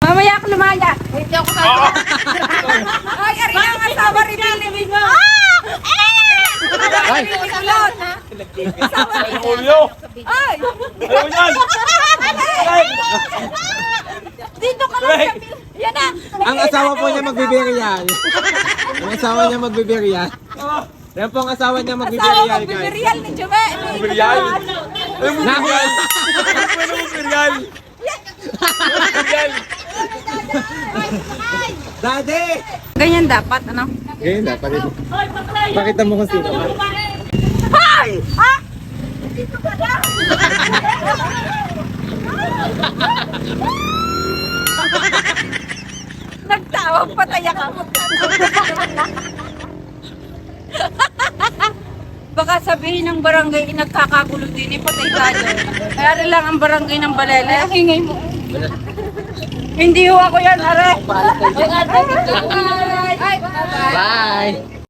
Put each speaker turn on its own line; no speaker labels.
Mamaya ako lumaya. Hindi ako sasawa. Ay, ari na ang asawa rin nilibig mo. Ay!
Julio!
Ay!
Ayaw yan!
Dito ka lang sa yan na.
Ang asawa po niya magbibirial. Ang asawa niya magbibirial. Yan po ang asawa niya
Asawa
magbibirial, guys.
magbibirial ni Jume.
Birial! Ayaw mo birial! Ayaw mo birial! Birial!
Daddy!
Ganyan dapat, ano?
Ganyan na, pakita mo kung sino.
Hay! Ha? Dito ka na! Nagtawag patay ako. Baka sabihin ng barangay nagkakagulo din, patay tayo. Kaya rin lang ang barangay ng Balele. Hingay mo. Hindi ho ako yan, are. Bye!
Bye!